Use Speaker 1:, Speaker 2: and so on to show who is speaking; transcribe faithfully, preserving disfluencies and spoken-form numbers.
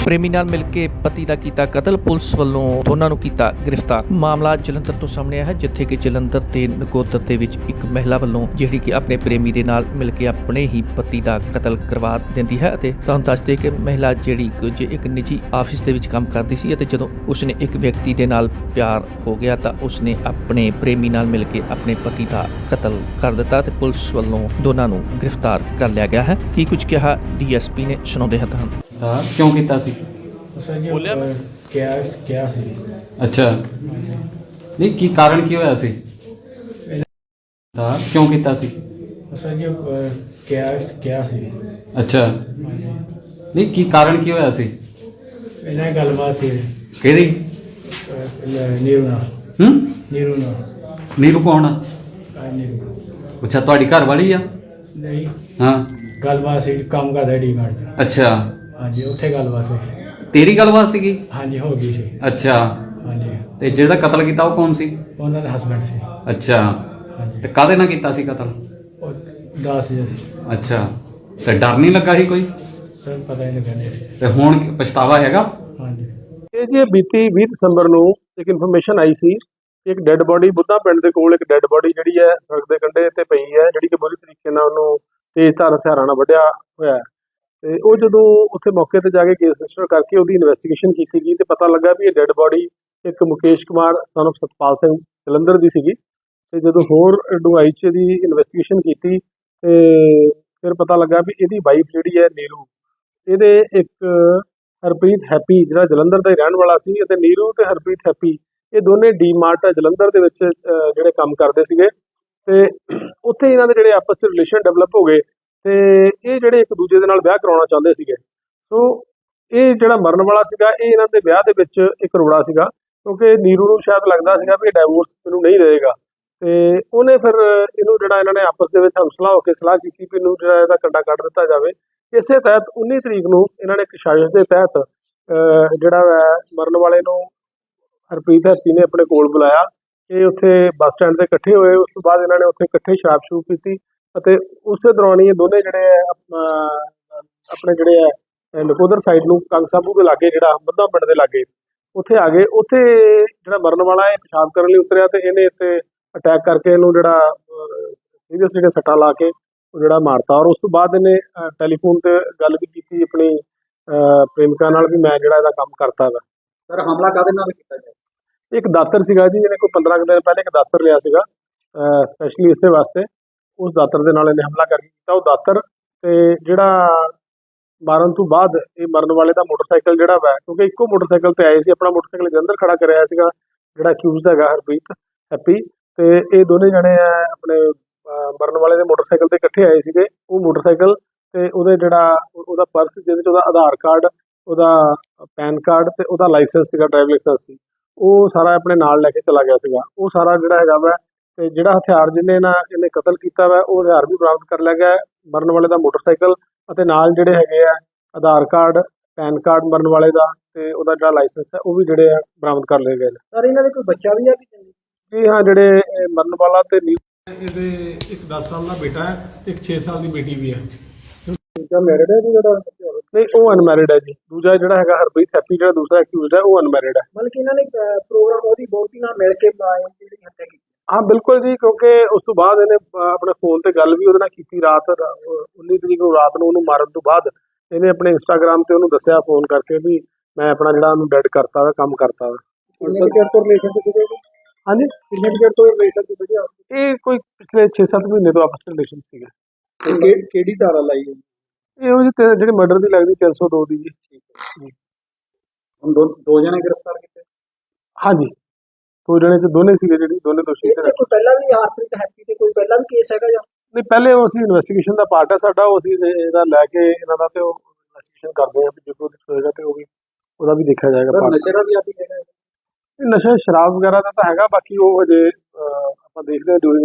Speaker 1: ਪ੍ਰੇਮੀ ਨਾਲ ਮਿਲ ਕੇ ਪਤੀ ਦਾ ਕੀਤਾ ਕਤਲ, ਪੁਲਿਸ ਵੱਲੋਂ ਦੋਨਾਂ ਨੂੰ ਕੀਤਾ ਗ੍ਰਿਫਤਾਰ। ਮਾਮਲਾ ਜਲੰਧਰ ਤੋਂ ਸਾਹਮਣੇ ਆਇਆ ਹੈ, ਜਿੱਥੇ ਕਿ ਜਲੰਧਰ ਤੇ ਨਕੋਦਰ ਦੇ ਵਿੱਚ ਇੱਕ ਮਹਿਲਾ ਵੱਲੋਂ ਜਿਹੜੀ ਕਿ ਆਪਣੇ ਪ੍ਰੇਮੀ ਦੇ ਨਾਲ ਮਿਲ ਕੇ ਆਪਣੇ ਹੀ ਪਤੀ ਦਾ ਕਤਲ ਕਰਵਾ ਦਿੰਦੀ ਹੈ। ਅਤੇ ਤੁਹਾਨੂੰ ਦੱਸ ਦੇ ਕਿ ਮਹਿਲਾ ਜਿਹੜੀ ਕੁਝ ਇੱਕ ਨਿੱਜੀ ਆਫਿਸ ਦੇ ਵਿੱਚ ਕੰਮ ਕਰਦੀ ਸੀ ਅਤੇ ਜਦੋਂ ਉਸਨੇ ਇੱਕ ਵਿਅਕਤੀ ਦੇ ਨਾਲ ਪਿਆਰ ਹੋ ਗਿਆ ਤਾਂ ਉਸਨੇ ਆਪਣੇ ਪ੍ਰੇਮੀ ਨਾਲ ਮਿਲ ਕੇ ਆਪਣੇ ਪਤੀ ਦਾ ਕਤਲ ਕਰ ਦਿੱਤਾ ਤੇ ਪੁਲਿਸ ਵੱਲੋਂ ਦੋਨਾਂ ਨੂੰ ਗ੍ਰਿਫਤਾਰ ਕਰ ਲਿਆ ਗਿਆ ਹੈ। ਕੀ ਕੁਝ ਕਿਹਾ ਡੀਐਸਪੀ ਨੇ, ਸੁਣਾਉਂਦੇ ਹਾਂ ਤੁਹਾਨੂੰ।
Speaker 2: ਹਾਂ ਕਿਉਂ ਕੀਤਾ ਸੀ?
Speaker 3: ਬੋਲਿਆ ਮੈਂ ਕਿਹਾ ਕਿਹਾ ਸੀ।
Speaker 2: ਅੱਛਾ, ਨਹੀਂ ਕੀ ਕਾਰਨ ਕੀ ਹੋਇਆ ਸੀ? ਹਾਂ ਕਿਉਂ ਕੀਤਾ ਸੀ?
Speaker 3: ਅਸਾਂ ਜੀ ਕਿਹਾ ਕਿਹਾ ਸੀ।
Speaker 2: ਅੱਛਾ, ਨਹੀਂ ਕੀ ਕਾਰਨ ਕੀ ਹੋਇਆ ਸੀ?
Speaker 3: ਇਹਨਾਂ ਗੱਲਬਾਤ ਸੀ
Speaker 2: ਕਿਹਦੀ?
Speaker 3: ਨੀਰੂ ਨਾਲ।
Speaker 2: ਹੂੰ,
Speaker 3: ਨੀਰੂ ਨਾਲ।
Speaker 2: ਨੀਰੂ ਕੌਣ ਆ?
Speaker 3: ਆ ਨੀਰੂ
Speaker 2: ਅੱਛਾ, ਤੁਹਾਡੀ ਘਰ ਵਾਲੀ ਆ?
Speaker 3: ਨਹੀਂ,
Speaker 2: ਹਾਂ,
Speaker 3: ਗੱਲਬਾਤ ਸੀ ਕੰਮ ਕਰਦਾ ਡੀ ਮਾਰਟ 'ਚ।
Speaker 2: ਅੱਛਾ,
Speaker 3: ਹਾਂਜੀ, ਉੱਥੇ ਗੱਲਬਾਤ ਹੋਈ।
Speaker 2: ਤੇਰੀ ਗੱਲਬਾਤ ਸੀਗੀ?
Speaker 3: ਹਾਂਜੀ, ਹੋ ਗਈ ਸੀ।
Speaker 2: ਅੱਛਾ,
Speaker 3: ਹਾਂਜੀ,
Speaker 2: ਤੇ ਜਿਹਦਾ ਕਤਲ ਕੀਤਾ ਉਹ ਕੌਣ ਸੀ?
Speaker 3: ਉਹਨਾਂ ਦਾ ਹਸਬੈਂਡ ਸੀ।
Speaker 2: ਅੱਛਾ,
Speaker 3: ਹਾਂਜੀ,
Speaker 2: ਤੇ ਕਾਹਦੇ ਨਾਲ ਕੀਤਾ ਸੀ ਕਤਲ?
Speaker 3: ਉਹ ਦਸ ਹਜ਼ਾਰ ਸੀ।
Speaker 2: ਅੱਛਾ, ਤੇ ਡਰ ਨਹੀਂ ਲੱਗਾ ਸੀ ਕੋਈ?
Speaker 3: ਸਰ ਪਤਾ ਹੀ ਨਹੀਂ ਲੱਗਿਆ।
Speaker 2: ਤੇ ਹੁਣ ਪਛਤਾਵਾ ਹੈਗਾ?
Speaker 3: ਹਾਂਜੀ,
Speaker 4: ਇਹ ਜੀ ਬੀਤੀ ਵੀਹ ਦਸੰਬਰ ਨੂੰ ਇੱਕ ਇਨਫੋਰਮੇਸ਼ਨ ਆਈ ਸੀ, ਇੱਕ ਡੈੱਡ ਬੋਡੀ ਬੁੱਧਾ ਪਿੰਡ ਦੇ ਕੋਲ ਇੱਕ ਡੈੱਡ ਬੋਡੀ ਜਿਹੜੀ ਹੈ ਸੜਕ ਦੇ ਕੰਢੇ ਤੇ ਪਈ ਹੈ, ਜਿਹੜੀ ਕਿ ਬੁਰੀ ਤਰੀਕੇ ਨਾਲ ਉਹਨੂੰ ਤੇਜ਼ ਧਾਰ ਹਥਿਆਰਾਂ ਨਾਲ ਵੱਢਿਆ ਹੋਇਆ ਹੈ। ਤੇ ਉਹ ਜਦੋਂ ਉੱਥੇ ਮੌਕੇ ਤੇ ਜਾ ਕੇ ਕੇਸ ਰਜਿਸਟਰ ਕਰਕੇ ਉਹਦੀ ਇਨਵੈਸਟੀਗੇਸ਼ਨ ਕੀਤੀ ਗਈ ਤੇ ਪਤਾ ਲੱਗਾ ਵੀ ਇਹ ਡੈੱਡ ਬੋਡੀ ਇੱਕ ਮੁਕੇਸ਼ ਕੁਮਾਰ ਸਨ ਆਫ ਸਤਪਾਲ ਸਿੰਘ ਜਲੰਧਰ ਦੀ ਸੀਗੀ। ਤੇ ਜਦੋਂ ਹੋਰ ਡੂੰਘਾਈ 'ਚ ਇਹਦੀ ਇਨਵੈਸਟੀਗੇਸ਼ਨ ਕੀਤੀ ਤੇ ਫਿਰ ਪਤਾ ਲੱਗਾ ਵੀ ਇਹਦੀ ਵਾਈਫ ਜਿਹੜੀ ਹੈ ਨੀਰੂ, ਇਹਦੇ ਇੱਕ ਹਰਪ੍ਰੀਤ ਹੈਪੀ ਜਿਹੜਾ ਜਲੰਧਰ ਦਾ ਹੀ ਰਹਿਣ ਵਾਲਾ ਸੀ, ਅਤੇ ਨੀਰੂ ਤੇ ਹਰਪ੍ਰੀਤ ਹੈਪੀ ਇਹ ਦੋਨੇ ਡੀ ਮਾਰਟ ਜਲੰਧਰ ਦੇ ਵਿੱਚ ਜਿਹੜੇ ਕੰਮ ਕਰਦੇ ਸੀਗੇ ਤੇ ਉੱਥੇ ਇਹਨਾਂ ਦੇ ਜਿਹੜੇ ਆਪਸ 'ਚ ਰਿਲੇਸ਼ਨ ਡਿਵੈਲਪ ਹੋ ਗਏ ਤੇ ਇਹ ਜਿਹੜੇ ਇੱਕ ਦੂਜੇ ਦੇ ਨਾਲ ਵਿਆਹ ਕਰਾਉਣਾ ਚਾਹੁੰਦੇ ਸੀਗੇ। ਸੋ ਇਹ ਜਿਹੜਾ ਮਰਨ ਵਾਲਾ ਸੀਗਾ ਇਹ ਇਹਨਾਂ ਦੇ ਵਿਆਹ ਦੇ ਵਿੱਚ ਇੱਕ ਰੋੜਾ ਸੀਗਾ, ਕਿਉਂਕਿ ਨੀਰੂ ਨੂੰ ਸ਼ਾਇਦ ਲੱਗਦਾ ਸੀਗਾ ਵੀ ਇਹ ਡਾਈਵੋਰਸ ਮੈਨੂੰ ਨਹੀਂ ਰਹੇਗਾ ਤੇ ਉਹਨੇ ਫਿਰ ਇਹਨੂੰ ਜਿਹੜਾ ਇਹਨਾਂ ਨੇ ਆਪਸ ਦੇ ਵਿੱਚ ਹਮਸਲਾ ਹੋ ਕੇ ਸਲਾਹ ਕੀਤੀ ਵੀ ਇਹਨੂੰ ਜਿਹੜਾ ਇਹਦਾ ਕੰਡਾ ਕੱਢ ਦਿੱਤਾ ਜਾਵੇ। ਇਸੇ ਤਹਿਤ ਉੱਨੀ ਤਰੀਕ ਨੂੰ ਇਹਨਾਂ ਨੇ ਇੱਕ ਸਾਜ਼ਿਸ਼ ਦੇ ਤਹਿਤ ਜਿਹੜਾ ਹੈ ਮਰਨ ਵਾਲੇ ਨੂੰ ਹਰਪ੍ਰੀਤ ਹੈਪੀ ਨੇ ਆਪਣੇ ਕੋਲ ਬੁਲਾਇਆ। ਇਹ ਉੱਥੇ ਬੱਸ ਸਟੈਂਡ ਤੇ ਇਕੱਠੇ ਹੋਏ। ਉਸ ਤੋਂ ਬਾਅਦ ਇਹਨਾਂ ਨੇ ਉੱਥੇ ਇਕੱਠੇ ਸ਼ਰਾਬ ਸ਼ੂਬ ਪੀਤੀ ਅਤੇ ਉਸੇ ਦੌਰਾਨ ਹੀ ਇਹ ਦੋਨੇ ਜਿਹੜੇ ਹੈ ਆਪਣੇ ਜਿਹੜੇ ਹੈ ਨਕੋਦਰ ਸਾਈਡ ਨੂੰ ਕੰਗ ਸਾਬੂ ਦੇ ਲਾਗੇ ਜਿਹੜਾ ਬੱਧਾ ਪਿੰਡ ਦੇ ਲਾਗੇ ਉੱਥੇ ਆ ਗਏ। ਉੱਥੇ ਜਿਹੜਾ ਮਰਨ ਵਾਲਾ ਇਹ ਪਿਸ਼ਾਬ ਕਰਨ ਲਈ ਉਤਰਿਆ ਤੇ ਇਹਨੇ ਇੱਥੇ ਅਟੈਕ ਕਰਕੇ ਇਹਨੂੰ ਜਿਹੜਾ ਸੀਰੀਅਸ ਜਿਹੜੇ ਸੱਟਾਂ ਲਾ ਕੇ ਉਹ ਜਿਹੜਾ ਮਾਰਤਾ। ਔਰ ਉਸ ਤੋਂ ਬਾਅਦ ਇਹਨੇ ਟੈਲੀਫੋਨ ਤੇ ਗੱਲ ਵੀ ਕੀਤੀ ਆਪਣੀ ਪ੍ਰੇਮਿਕਾ ਨਾਲ ਵੀ ਮੈਂ ਜਿਹੜਾ ਇਹਦਾ ਕੰਮ ਕਰਤਾ ਵਾ।
Speaker 2: ਸਰ ਹਮਲਾ ਕਾਹਦੇ ਨਾਲ ਕੀਤਾ ਗਿਆ?
Speaker 4: ਇੱਕ ਦਾਤਰ ਸੀਗਾ ਜੀ, ਇਹਨੇ ਕੋਈ ਪੰਦਰਾਂ ਕੁ ਦਿਨ ਪਹਿਲੇ ਇੱਕ ਦਾਤਰ ਲਿਆ ਸੀਗਾ ਸਪੈਸ਼ਲੀ ਇਸੇ ਵਾਸਤੇ। ਉਸ ਦਾਤਰ ਦੇ ਨਾਲ ਇਹਨੇ ਹਮਲਾ ਕਰਕੇ ਕੀਤਾ। ਉਹ ਦਾਤਰ ਤੇ ਜਿਹੜਾ ਮਾਰਨ ਤੋਂ ਬਾਅਦ ਇਹ ਮਰਨ ਵਾਲੇ ਦਾ ਮੋਟਰਸਾਈਕਲ ਜਿਹੜਾ ਵਾ, ਕਿਉਂਕਿ ਇੱਕੋ ਮੋਟਰਸਾਈਕਲ ਤੇ ਆਏ ਸੀ, ਆਪਣਾ ਮੋਟਰਸਾਈਕਲ ਜਲੰਧਰ ਖੜਾ ਕਰਿਆ ਸੀਗਾ ਜਿਹੜਾ ਅਕਿਊਜ਼ਡ ਹੈਗਾ ਹਰਪ੍ਰੀਤ ਹੈਪੀ, ਤੇ ਇਹ ਦੋਨੇ ਜਣੇ ਆ ਆਪਣੇ ਮਰਨ ਵਾਲੇ ਦੇ ਮੋਟਰਸਾਈਕਲ ਤੇ ਇਕੱਠੇ ਆਏ ਸੀਗੇ। ਉਹ ਮੋਟਰਸਾਈਕਲ ਤੇ ਉਹਦੇ ਜਿਹੜਾ ਉਹਦਾ ਪਰਸ ਜਿਹਦੇ 'ਚ ਉਹਦਾ ਆਧਾਰ ਕਾਰਡ, ਉਹਦਾ ਪੈਨ ਕਾਰਡ ਤੇ ਉਹਦਾ ਲਾਇਸੈਂਸ ਸੀਗਾ, ਡਰਾਈਵ ਲਾਇਸੈਂਸ ਸੀ, ਉਹ ਸਾਰਾ ਆਪਣੇ ਨਾਲ ਲੈ ਕੇ ਚਲਾ ਗਿਆ ਸੀਗਾ। ਉਹ ਸਾਰਾ ਜਿਹੜਾ ਹੈਗਾ ਵਾ ਤੇ ਜਿਹੜਾ ਹਥਿਆਰ ਜਿਹਨੇ ਨਾ ਇਹਨੇ ਕਤਲ ਕੀਤਾ ਵਾ ਉਹ ਹਥਿਆਰ ਵੀ ਬਰਾਮਦ ਕਰ ਲਿਆ ਗਿਆ। ਮਰਨ ਵਾਲੇ ਦਾ ਮੋਟਰਸਾਈਕਲ ਅਤੇ ਨਾਲ ਜਿਹੜੇ ਹੈਗੇ ਆ ਆਧਾਰ ਕਾਰਡ, ਪੈਨ ਕਾਰਡ ਮਰਨ ਵਾਲੇ ਦਾ ਤੇ ਉਹਦਾ ਜਿਹੜਾ ਲਾਇਸੈਂਸ ਹੈ ਉਹ ਵੀ ਜਿਹੜੇ ਆ ਬਰਾਮਦ ਕਰ ਲਏ ਗਏ ਨੇ।
Speaker 3: ਸਰ ਇਹਨਾਂ ਦੇ ਕੋਈ ਬੱਚਾ ਵੀ ਆ ਕਿ?
Speaker 4: ਜੀ ਹਾਂ, ਜਿਹੜੇ ਮਰਨ ਵਾਲਾ ਤੇ
Speaker 5: ਇਹਦੇ ਇੱਕ ਦਸ ਸਾਲ ਦਾ ਬੇਟਾ ਹੈ, ਇੱਕ ਛੇ ਸਾਲ ਦੀ ਬੇਟੀ ਵੀ ਹੈ।
Speaker 4: ਦੂਜਾ ਮੈਰਿਡ ਹੈ ਜੀ ਜਿਹੜਾ? ਨਹੀਂ, ਉਹ ਅਨਮੈਰਿਡ ਹੈ ਜੀ। ਦੂਜਾ ਜਿਹੜਾ ਹੈਗਾ ਹਰਪ੍ਰੀਤ ਹੈਪੀ ਜਿਹੜਾ ਦੂਸਰਾ ਅਕਿਊਜ਼ਡ ਹੈ ਉਹ ਅਨਮੈਰਿਡ ਹੈ।
Speaker 3: ਮਤਲਬ ਕਿ ਇਹਨਾਂ ਨੇ ਪ੍ਰੋਗਰਾਮ ਉਹਦੀ ਬੋਟੀ ਨਾਲ ਮਿਲ ਕੇ ਜਿਹੜੀ ਹੱਤਿਆ ਕੀਤੀ?
Speaker 4: ਹਾਂ ਬਿਲਕੁਲ ਜੀ, ਕਿਉਂਕਿ ਉਸ ਤੋਂ ਬਾਅਦ ਇਹਨੇ ਆਪਣੇ ਫੋਨ ਤੇ ਗੱਲ ਵੀ ਉਹਦੇ ਨਾਲ ਕੀਤੀ ਰਾਤ ਉੱਨੀ ਤਰੀਕ ਨੂੰ ਰਾਤ ਨੂੰ। ਉਹਨੂੰ ਮਾਰਨ ਤੋਂ ਬਾਅਦ ਇਹਨੇ ਆਪਣੇ ਇੰਸਟਾਗ੍ਰਾਮ ਤੇ ਉਹਨੂੰ ਦੱਸਿਆ ਫੋਨ ਕਰਕੇ ਵੀ ਮੈਂ ਆਪਣਾ ਜਿਹੜਾ ਉਹਨੂੰ ਡੈਡ ਕਰਤਾ ਵਾ, ਕੰਮ ਕਰਤਾ ਵਾ। ਹਾਂਜੀ, ਇਹ ਕੋਈ ਪਿਛਲੇ ਛੇ ਸੱਤ ਮਹੀਨੇ ਤੋਂ ਆਪਸ ਰਿਲੇਸ਼ਨ ਸੀਗਾ।
Speaker 3: ਕਿਹੜੀ ਧਾਰਾ ਲਾਈ?
Speaker 4: ਇਹੋ ਜਿਹੀ ਜਿਹੜੀ ਮਰਡਰ ਦੀ ਲੱਗਦੀ ਤਿੰਨ ਸੌ ਦੋ ਦੀ ਜੀ।
Speaker 2: ਹੁਣ ਦੋ ਦੋ ਜਣੇ ਗ੍ਰਿਫਤਾਰ ਕੀਤੇ?
Speaker 4: ਹਾਂਜੀ, ਦੋ ਜਣੇ ਤੇ ਦੋਨੇ ਸੀਗੇ ਜਿਹੜੇ ਦੋਨੇ ਦੋਸ਼ੀ।
Speaker 3: ਕੋਈ ਪਹਿਲਾਂ ਵੀ ਹਰਪ੍ਰੀਤ ਹੈਪੀ ਤੇ ਕੋਈ ਪਹਿਲਾਂ ਵੀ ਕੇਸ ਹੈਗਾ ਜਾਂ
Speaker 4: ਨਹੀਂ? ਪਹਿਲੇ ਉਹ ਅਸੀਂ ਇਨਵੈਸਟੀਗੇਸ਼ਨ ਦਾ ਪਾਰਟ ਹੈ ਸਾਡਾ, ਉਹ ਅਸੀਂ ਇਹਦਾ ਲੈ ਕੇ ਇਹਨਾਂ ਦਾ ਤੇ ਉਹ ਇਨਵੈਸਟੀਗੇਸ਼ਨ ਕਰਦੇ ਹਾਂ ਵੀ ਜਦੋਂ ਹੋਏਗਾ ਤੇ ਉਹ ਵੀ ਉਹਦਾ ਵੀ ਦੇਖਿਆ ਜਾਏਗਾ।
Speaker 3: ਨਸ਼ੇ ਦਾ ਵੀ ਆਦੀ ਹੈਗਾ?
Speaker 4: ਨਸ਼ਾ ਸ਼ਰਾਬ ਵਗੈਰਾ ਦਾ ਤਾਂ ਹੈਗਾ, ਬਾਕੀ ਉਹ ਹਜੇ ਆਪਾਂ ਦੇਖਦੇ ਹਾਂ ਡਿਊਰਿੰਗ